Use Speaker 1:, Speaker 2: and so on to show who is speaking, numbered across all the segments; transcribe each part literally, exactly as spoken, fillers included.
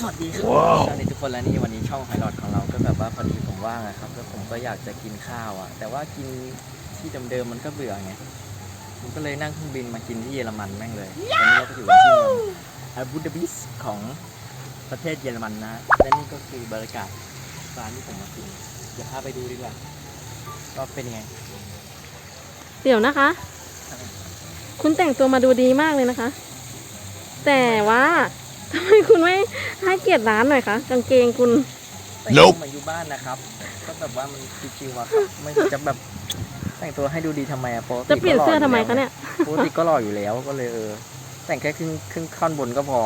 Speaker 1: วัสดีครับสวัสดีทุกคนแล้วนี่วันนี้ช่องไฮลอดของเราก็แบบว่าพอดีผมว่างนะครับแล้วผมก็อยากจะกินข้าวอ่ะแต่ว่ากินที่เดิมๆมันก็เบื่อไงผมก็เลยนั่งเครื่องบินมากินที่เยอรมันแม่งเลยวันนี้เราก็อยู่ที่เมืองอาบูดาบิสของประเทศเยอรมันนะและนี่ก็คือบรรยากาศร้านที่ผมมากินเดี๋ยวพาไปดูดีกว่าก็เป็นยังไง
Speaker 2: เดี๋ยวนะคะคุณแต่งตัวมาดูดีมากเลยนะคะแต่ว่าทำไมคุณไม่ให้เกียรติร้านหน่อยคะกางเกงคุณ
Speaker 1: แต่งตัวมาอยู่บ้านนะครับก็แบบว่ามันชิวๆอะครับไม่จะแบบแต่งตัวให้ดูดีทำไมอะปกติ
Speaker 2: จะเปลี่ยนเสื้อทำไมคะเนี่ย
Speaker 1: ปกติก็หล่ออยู่แล้วก็เลยเออแต่งแค่ครึ่งครึ่งท่อนบนก็พอ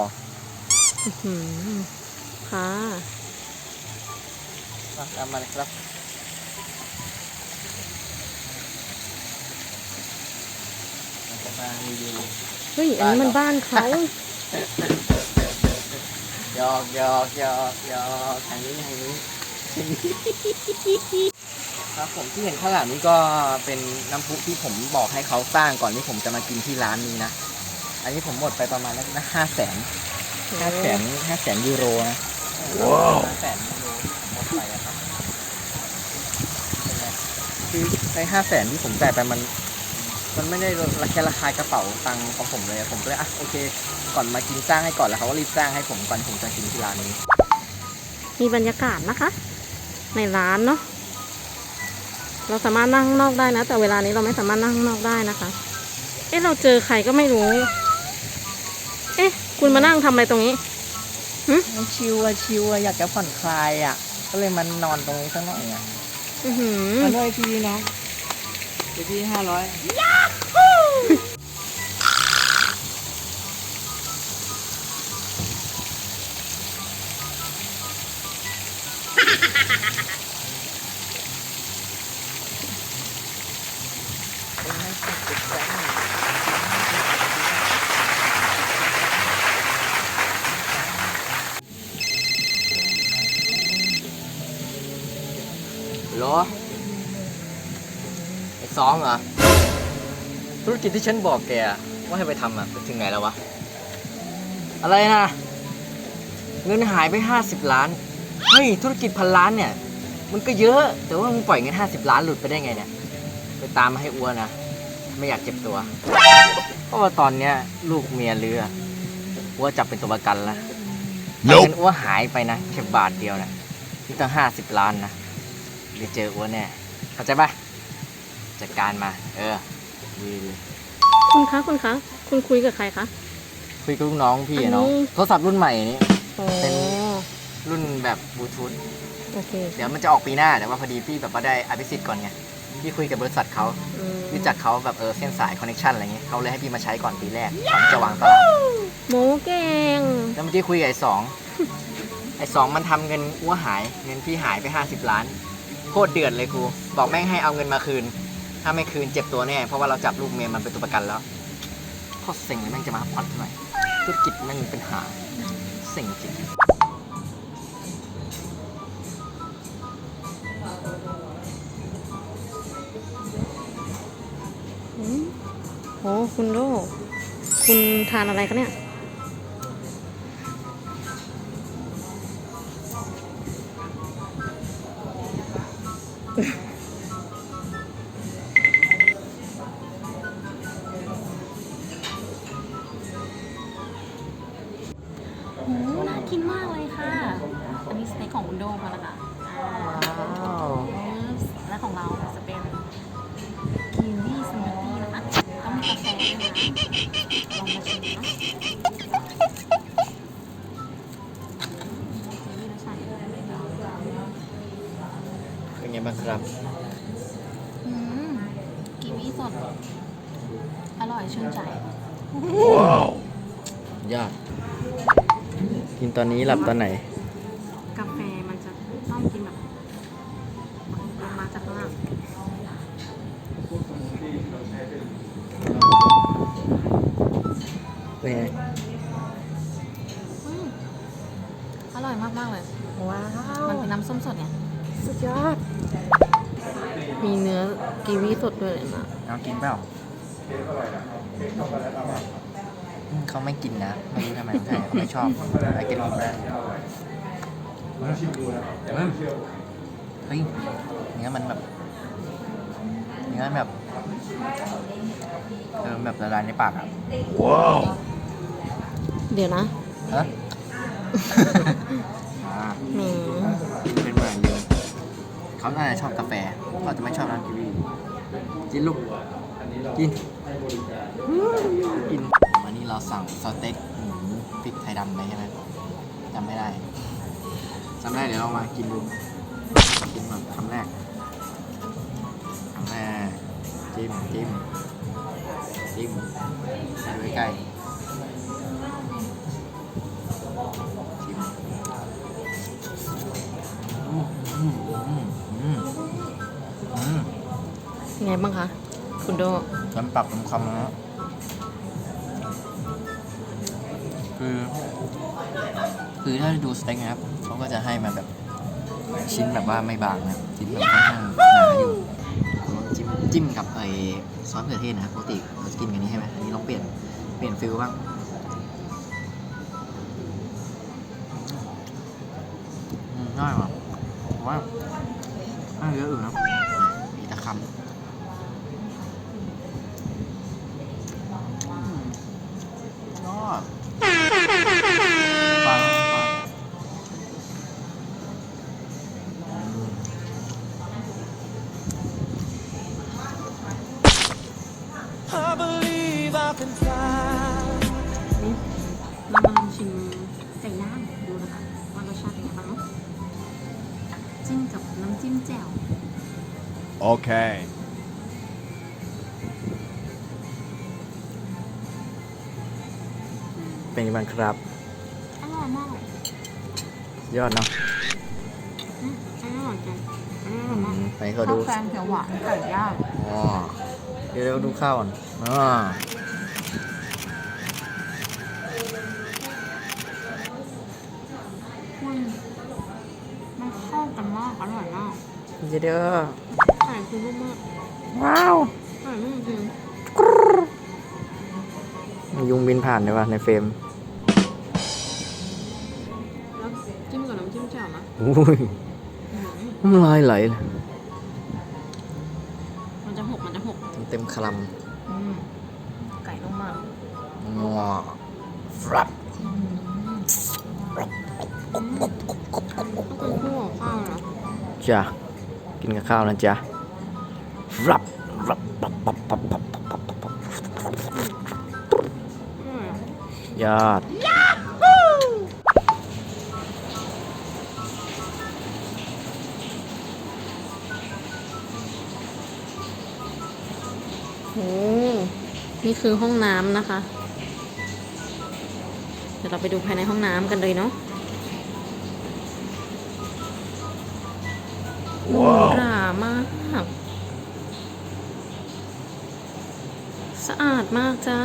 Speaker 2: ค่ะ
Speaker 1: ตามมาเลยครับมารีวิว
Speaker 2: เฮ้ยอันนี้มันบ้านเขา
Speaker 1: หยอกหยอกหยอกหยอกทางนี้ทางนี้ครับผมที่เห็นข้างหลังนี้ก็เป็นน้ำพุที่ผมบอกให้เขาสร้างก่อนที่ผมจะมากินที่ร้านนี้นะอันนี้ผมหมดไปประมาณนะห้าแสนห้าแสนห้าแสนยูโรนะว้าวห้าแสนยูโรหมดไปครับคือในห้าแสนที่ผมจ่ายไปมันมันไม่ได้ราคาราคากระเป๋าตังค์ของผมเลยผมก็เลยอ่ะโอเคก่อนมากินสร้างให้ก่อนแล้วเขาก็รีบสร้างให้ผมก่อนผมจะกินที่ร้านนี้
Speaker 2: มีบรรยากาศนะคะในร้านเนาะเราสามารถนั่งข้างนอกได้นะแต่เวลานี้เราไม่สามารถนั่งข้างนอกได้นะคะเอ๊ะเราเจอใครก็ไม่รู้เอ๊ะคุณมานั่งทำอะไรตรงนี้
Speaker 1: หืมชิวอะชิวอะอยากจะผ่อนคลายอะก็เลยมันนอนตรงนี้สักหน่อยอะมาด้วยพี่น้องเดี๋ยวพี่ห้าร้อยยาฮูเหรอไอ้สองเหรอธุรกิจที่ฉันบอกแกว่าให้ไปทำอะไปถึงไหนแล้ววะอะไรนะเงินหายไปห้าสิบล้านเฮ้ยธุรกิจพันล้านเนี่ยมันก็เยอะแต่ว่ามึงปล่อยเงินห้าสิบล้านหลุดไปได้ไงเนี่ยไปตามมาให้อ้วนนะไม่อยากเจ็บตัวเพราะว่าตอนเนี้ยลูกเมียเรืออ้วนจับเป็นตัวประกันแล้วเงินอ้วนหายไปนะแค่บาทเดียวนะนี่ตั้งห้าสิบล้านนะเดี๋ยวเจออ้วนแน่เข้าใจปะจัดการมาเออวีเลย
Speaker 2: คุณคะคุณคะคุณคุยกับใครคะ
Speaker 1: คุยกับลูกน้องพี่เนาะโทรศัพท์รุ่นใหม่นี้เป็นรุ่นแบบบลูทูธ
Speaker 2: โอเค
Speaker 1: เดี๋ยวมันจะออกปีหน้าแต่ว่าพอดีพี่แบบว่าได้อภิสิทธิ์ก่อนไงพี่คุยกับบริษัทเขารู้จักเขาแบบเออเส้นสายคอนเนคชั่นอะไรเงี้ยเขาเลยให้พี่มาใช้ก่อนปีแรกก่อนจะวางตลาด
Speaker 2: โมเก่ง
Speaker 1: แล้วเมื่อกี้คุยกับไอ้สองไอ้สองมันทำเงินอ้วหายเงินพี่หายไปห้าสิบล้านโคตรเดือดเลยกูบอกแม่งให้เอาเงินมาคืนถ้าไม่คืนเจ็บตัวแน่เพราะว่าเราจับลูกเมียมันเป็นตัวประกันแล้วโคตรเซ็งเลยแม่งจะมาพัดหน่อยธุรกิจแม่งมีปัญหาเซ็งจริง
Speaker 2: โอ้คุณโดคุณทานอะไรคะเนี่ยโอ้น่ากินมากเลยค่ะอันนี้สเต็กของคุณโดมาแล้วค่ะว้าวและของเราจะเป็นกีวีสมูทตี้นะคะต้องมีกาแฟด้วยนะลองมาชิมนะ
Speaker 1: เป็นไงบ้างครับ
Speaker 2: อืมกีวีสดอร่อยชื่นใจ
Speaker 1: ว้าวยอดกินตอนนี้หลับตอนไหน
Speaker 2: กาแฟมันจะต้องกินแบบลงมาจากข้างล่าง
Speaker 1: เป็นไง
Speaker 2: อร่อยมากมากเลยว้าวมันเป็นน้ำส้มสดเนี่ยสุดยอดมีเนื้อกีวีสดด้วยเลยนะ
Speaker 1: เอากินเปล่าอืมเขาไม่กินนะ ไม่รู้ทำไมใช่เขาไม่ชอบไอเกลินแบรนด์เฮ้ยเนื้อมันแบบเนื้อแบบเออแบบละลายในปากอ่ะ ว้าว
Speaker 2: เดี๋ยวนะ
Speaker 1: ฮะ อ่า
Speaker 2: แหม
Speaker 1: เป็นเหมือนเดิมเขาน่าจะชอบกาแฟเขาจะไม่ชอบร้านกีวีกินลูก กิน กิน วันนี้เราสั่งสเต็กหมูพริกไทยดำไปใช่ไหมจำไม่ได้จำได้เดี๋ยวเรามากินดู กินแบบคำแรกคำแรกจิ้มจิ้มจิ้มดูใกล้ๆชิมอืมอืมอืมอืมอืม
Speaker 2: ไงบ้างคะ คุณโด
Speaker 1: น้ำปักน้ำคำนะคือ คือถ้าดูสเต็กนะครับเขาก็จะให้มาแบบชิ้นแบบว่าไม่บางนะชิ้นแบบค่อนข้างหนาอยู่จิ้มจิ้มกับไอ้ซอสมะเขือเทศนะครับปกติเราจะกินกันนี้ใช่ไหมอันนี้ลองเปลี่ยนเปลี่ยนฟิลบ้างอืมง่ายว่ะผมว่าไม่เยอะอื่นนะมีแต่คำยอดฟังฟัง
Speaker 3: I believe I can fly.
Speaker 2: นี่เรามาลองชิมไก่ย่างดูนะคะว่ารสชาติเป็นไงบ้างเนาะจิ้มกับน้ำจิ้มแจ่ว
Speaker 3: Okay.
Speaker 1: เป็นยังไงบ้างครับ
Speaker 2: อร่อยมาก
Speaker 1: ยอดเนาะ
Speaker 2: อืมอร่อยจังอร่อยมาก
Speaker 1: ไปเขาดู
Speaker 2: ข้าวแกงเขียวหวานไก่ย่าง
Speaker 1: อ๋อ เดี๋ยวเราดูข้าวก่อนอ๋อ
Speaker 2: มันมันเข้ากันมากอร่อยมาก
Speaker 1: เดี๋ยวเด้อ
Speaker 2: ไก่คือนุ่มมาก
Speaker 1: ว้าว
Speaker 2: ไก่นุ่มจริง
Speaker 1: ยุงบินผ่านเลยวะในเฟรม
Speaker 2: แล้วจิ้มกับน้ำจิ้มแจ่วนะ
Speaker 1: อุ้ย
Speaker 2: อืม
Speaker 1: น้ำลายไหลเลย
Speaker 2: มันจะหกมันจะหก
Speaker 1: เต็มคล
Speaker 2: อืมไก่นุ่มมาก
Speaker 1: ำงัวฟรับ
Speaker 2: อืมต้องเป็นคู่กับข้าวนะ
Speaker 1: จ้ะ กินกับข้าวนะจ๊ะรับรับปับปับปับปับปับปับปับ
Speaker 2: อืม
Speaker 1: ยอด
Speaker 2: โอ้นี่คือห้องน้ำนะคะ เดี๋ยวเราไปดูภายในห้องน้ำกันเลยเนาะหรูหรามาก สะอาดมากจ้า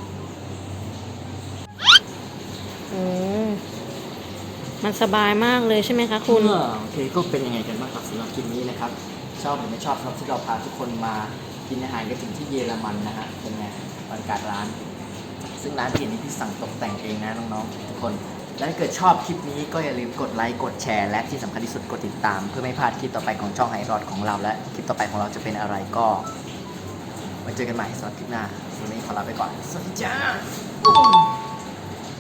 Speaker 2: โอ้ มันสบายมากเลยใช่ไหมคะคุณ
Speaker 1: เออโอเคก็เป็นยังไงกันบ้างครับสำหรับคลิปนี้นะครับ ชอบหรือไม่ชอบสำหรับที่เราพาทุกคนมากินอาหารกันถึงที่เยอรมันนะฮะเป็นไงบรรยากาศร้าน ซึ่งร้านที่นี้พี่สั่งตกแต่งเองนะน้องๆทุกคน และถ้าเกิดชอบคลิปนี้ก็อย่าลืมกดไลค์กดแชร์และที่สำคัญที่สุดกดติดตาม เพื่อไม่พลาดคลิปต่อไปของช่องไอรอดของเราและคลิปต่อไปของเราจะเป็นอะไรก็ไว้เจอกันใหม่สำหรับคลิปหน้าวันนี้ขอลาไปก่อนสวัสดีจ้า